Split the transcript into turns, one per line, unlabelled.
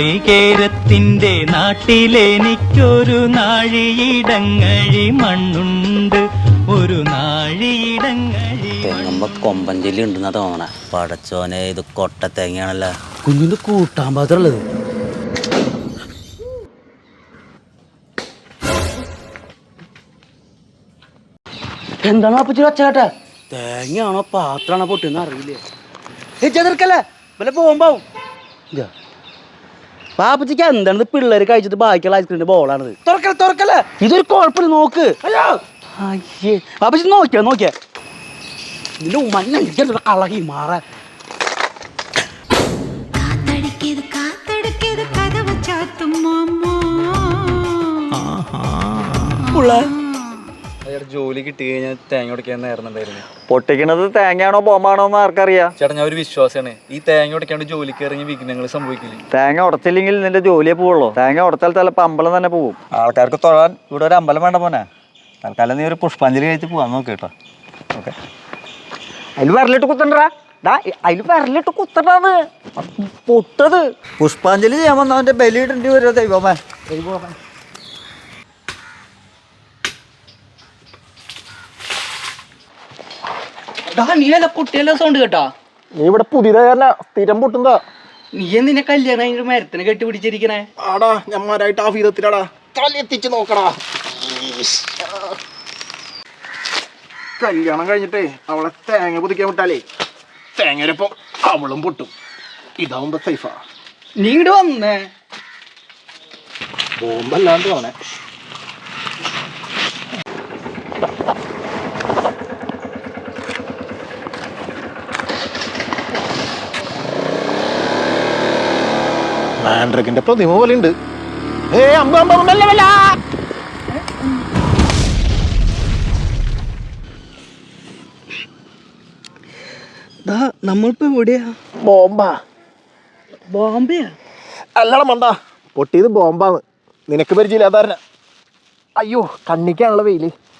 നാളികേരത്തിന്റെ നാട്ടിലെനിക്കൊരു നാഴിയിടങ്ങഴി മണ്ണുണ്ട്, ഒരു നാഴിയിടങ്ങഴി.
തെങ്ങുമ്പോ കൊമ്പഞ്ചെല്ലി ഉണ്ടെന്നാ തോന്നണ. പടച്ചോനെ, ഇത് കൊട്ട തേങ്ങയാണല്ലോ.
കുഞ്ഞിന്റെ കൂട്ടാൻ പാത്രമുള്ളത്. എന്താണ് അപ്പച്ചി ഒച്ചകേട്ടെ? തേങ്ങയാണോ പാത്രാണോ പൊട്ടിന്ന് അറിയില്ലേ. ചെറുക്കല്ലേ വല്ല പോകുമ്പാവും. പാപ്പച്ചിക്ക് എന്താണ് പിള്ളേര് കഴിച്ചിട്ട് ബാക്കിയുള്ള ഐസ്ക്രീമിന്റെ ബോളാണിത്. തുറക്കല്ലേ ഇതൊരു കുഴപ്പമില്ല, നോക്ക്. അയ്യേ പാപ്പച്ചി നോക്കിയാ ഇതിന്റെ ഉമ്മ കളകി മാറാൻ.
ജോലി കിട്ടി കഴിഞ്ഞാൽ തേങ്ങ ഉടക്കാന്നായിരുന്നുണ്ടായിരുന്നു.
പൊട്ടിക്കണത് തേങ്ങയാണോ ബോംബാണോ എന്ന് ആർക്കറിയാം.
ചേട്ടാ, ഞാൻ ഒരു വിശ്വാസമാണ്, ഈ തേങ്ങ ഉടക്കാണ്ട് ജോലിക്ക് ഇറങ്ങി വിഘ്നങ്ങൾ സംഭവിക്കില്ല.
തേങ്ങ ഉടച്ചില്ലെങ്കിൽ നിന്റെ ജോലിയെ പോവുള്ളൂ. തേങ്ങ ഉടച്ചാൽ ചിലപ്പോൾ അമ്പലം തന്നെ പോവും. ആൾക്കാർക്ക് തൊഴാൻ ഇവിടെ ഒരു അമ്പലം വേണ്ട പോനെ. തൽക്കാലം നീ ഒരു പുഷ്പാഞ്ജലി കഴിച്ച് പോവാൻ നോക്ക് കേട്ടോ. ഓക്കെ, അതിൽ വിരലിട്ട് കുത്തണ്ടാ. അതിൽ വിരലിട്ട് കുത്തണ്ടാന്ന് പൊട്ടത്. പുഷ്പാഞ്ജലി ചെയ്യാൻ വന്നവന്റെ ബലിയിടേണ്ടി വരുമോ ദൈവമേ.
നീല പൊട്ടിയല്ലോ സൗണ്ട് കേട്ടാ.
നീ ഇവിടെ പുതിയതായ സ്ഥിരം പൊട്ടുന്നതാ.
നീ എന്തിനെ കല്യാണം മരത്തിന് കെട്ടി പിടിച്ചിരിക്കണേ?
ആടാ, ഞമ്മാരായിട്ട് ആ വിധത്തിലാടാ. തലെത്തിച്ച് നോക്കടാ. കല്യാണം കഴിഞ്ഞിട്ടേ അവളെ തേങ്ങ പുതിക്കാൻ വിട്ടാലേ തേങ്ങരപ്പം അവളും പൊട്ടും. ഇതാവുമ്പോ സൈഫാ.
നീ ഇങ്ങോട്ട് വന്നേ.
ബോംബല്ലാണ്ട് പോണേ. മാൻഡ്രക്കിന്റെ പ്രതിമ പോലെ ഉണ്ട്.
നമ്മളിപ്പോ എവിടെയാ? ബോംബെയാ?
അല്ലടാ മണ്ട, പൊട്ടിയത് ബോംബാന്ന്. നിനക്ക് പരിചയമില്ലാതാരന. അയ്യോ, കണ്ണിക്കാണുള്ള വെയില്.